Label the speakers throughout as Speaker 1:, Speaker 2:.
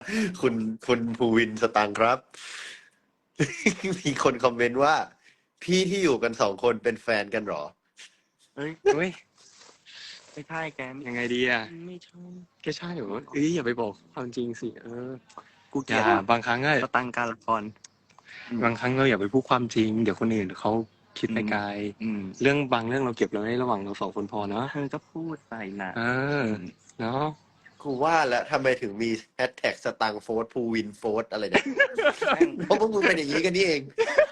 Speaker 1: คุณคุณภูวินสตังค์ครับ มีคนคอมเมนต์ว่า พี่ที่อยู่กัน2 คนเป็นแฟนกันเหรอ
Speaker 2: เฮ้ย
Speaker 3: เฮ้ย
Speaker 2: ไม่ใช่แก
Speaker 3: ยังไงดีอ่ะ
Speaker 2: ไม่ใช่
Speaker 3: แกใช่เหรออย่าไปบอกความจริงสิ
Speaker 2: กูเก
Speaker 3: อ
Speaker 2: ลีย
Speaker 3: ย่า
Speaker 2: ด
Speaker 3: บางครั้งอะ
Speaker 2: สตังค์การละคร
Speaker 3: บางครั้งเราอย่าไปพูดความจริง เดี๋ยวคนอื่นเขาคิดไปไกล เรื่องบางเรื่องเราเก็บเราไว้ระหว่างเรา2 คนพอเนาะ
Speaker 2: เธอก็พูดไปนะ
Speaker 3: เนาะ
Speaker 1: กูว่าแล้วทำไมถึงมีแฮชแท็กสตังค์โฟร์ภูวินโฟร์อะไรเนี่ย เพราะพวกมึงเป็นอย่างนี้กันนี่เอง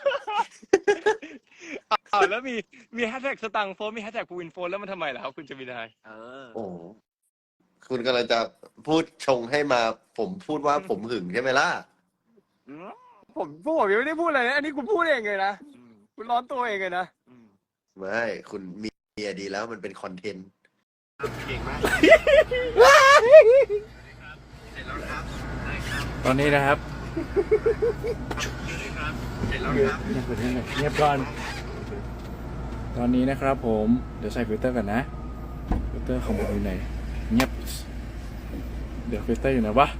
Speaker 3: แล้วมีแฮชแท็กสตังค์โฟนมีแฮชแท็กภูวินโฟนแล้วมันทำไมล่ะครับคุณจมินาย
Speaker 1: โอ้คุณกำลังจะพูดชงให้มาผมพูดว่าผมหึงใช่ไหมล่ะ
Speaker 3: ผมยังไม่ได้พูดอะไรนะอันนี้คุณพูดเองเลยนะคุณร้อนตัวเองเลยนะ
Speaker 1: ไม่คุณมีเมียดีแล้วมันเป็นคอนเทนต์
Speaker 4: ตอนนี้นะครับเงียบก่อนตอนนี้นะครับผมเดี๋ยวใส่ฟิลเตอร์กันนะฟิลเตอร์ของผมอยู่ไหนเงียบเดี๋ยวฟิลเตอร์อยู่ไหนวะ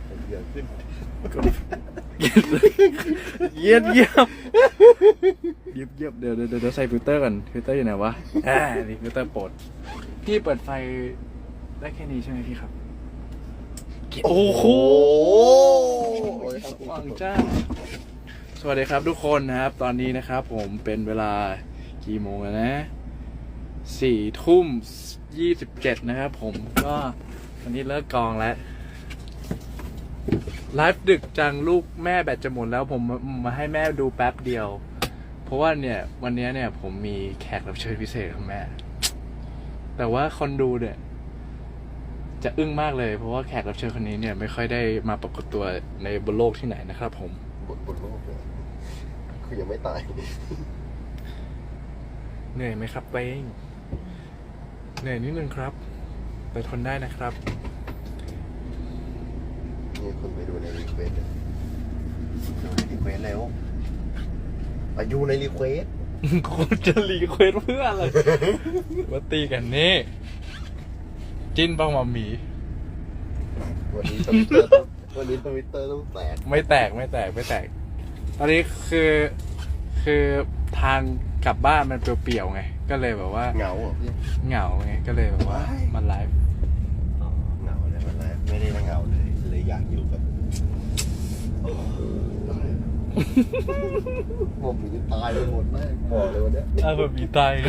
Speaker 4: เยียบเดี๋ยวใส่ฟิลเตอร์กันฟิลเตอร์อยู่ไหนวะนี่ฟิลเตอร์โปรดพี่เปิดไฟได้แค่นี้ใช่ไหมพี่ครับโอ้โหสว่างจ้าสวัสดีครับทุกคนนะครับตอนนี้นะครับผมเป็นเวลากี่โมงแล้วนะ4:27นะครับผมก็วันนี้เลิกกองแล้วไลฟ์ดึกจังลูกแม่แบตจะหมดแล้วผมมาให้แม่ดูแป๊บเดียวเพราะว่าเนี่ยวันนี้เนี่ยผมมีแขกรับเชิญพิเศษของแม่แต่ว่าคนดูเนี่ยจะอึ้งมากเลยเพราะว่าแขกรับเชิญคนนี้เนี่ยไม่ค่อยได้มาปรากฏตัวในบนโลกที่ไหนนะครับผม
Speaker 1: บนโลกเลยคือยังไม่ตาย
Speaker 4: เหนื่อยไหมครับเป้งเหนื่อยนิดนึงครับแต่ทนได้นะครับ
Speaker 1: นี่คุณไปดูในรีเควสดูในรีเควสแล้วอายุในรีเควส
Speaker 4: คุณจะรีเควสเพื่ออะไร มาตีกันนี่จิ้นป้องมามี
Speaker 1: วันนี้ทวิตเตอร์ต้องแตก
Speaker 4: ไม่แตกตอนนี้คือทางกลับบ้านมันเปลี่ยวๆไงก็เลยแบบว่า
Speaker 1: เหงาเหรอพี่
Speaker 4: เหงาไงก็เลยแบบว่ามันไลฟ์
Speaker 1: เหงาเลยมันแล้วไม่ได้เหงาเลยอยากอยู่แบบผมมีตายไปหมดแม่บอกเลยวันเนี้ย
Speaker 4: มามีตาย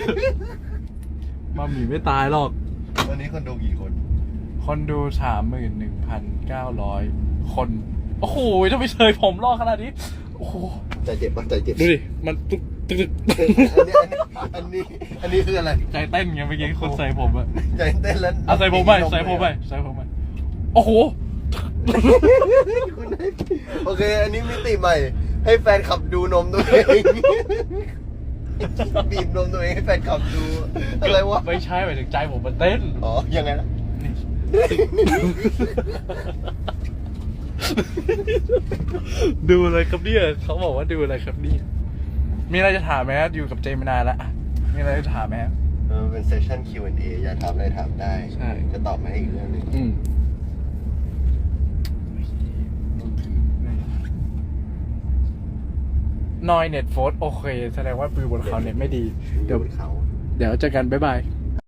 Speaker 4: มามีไม่ตายหรอก
Speaker 1: วันนี้คนดูกี่คน
Speaker 4: คนดู 31,900 คนโอ้โหถ้าไม่เชยผมรอขนาดนี้โอ้โห
Speaker 1: ใจเจ็บปะใจเจ็บ
Speaker 4: ดูดิมันตึก
Speaker 1: อันนี้คืออะไร
Speaker 4: ใจเต้นไงเมื่อกี้คนใส่ผมอะ
Speaker 1: ใจเต้นแล้ว
Speaker 4: เอาใส่ผมไปโอ้โห
Speaker 1: โอเค อันนี้มิติใหม่ ให้แฟนขับดูนมตัวเอง บีบนมตัวเองให้แฟนขับดู อะไรวะ
Speaker 4: ไม่ใช่หมายถึงใจผมมันเต้น
Speaker 1: อ๋อ ยังไงนะ
Speaker 4: ดูอะไรครับเนี่ยเขาบอกว่าดูอะไรครับเนี่ยมีอะไรจะถามไหมอยู่กับเจมานานแล้วมีอะไรจะถามไหม
Speaker 1: เป็นเซสชั่น Q&A อยากถามอะไรถามได้
Speaker 4: ใช่
Speaker 1: จะตอบมาให้อีกเรื่องหนึง
Speaker 4: นอยเน็ตโฟร์โอเคแสดงว่าปืนบนเขาเน็ตไม่ดีเดี๋ยว
Speaker 1: เขา
Speaker 4: เจอกันบ๊ายบาย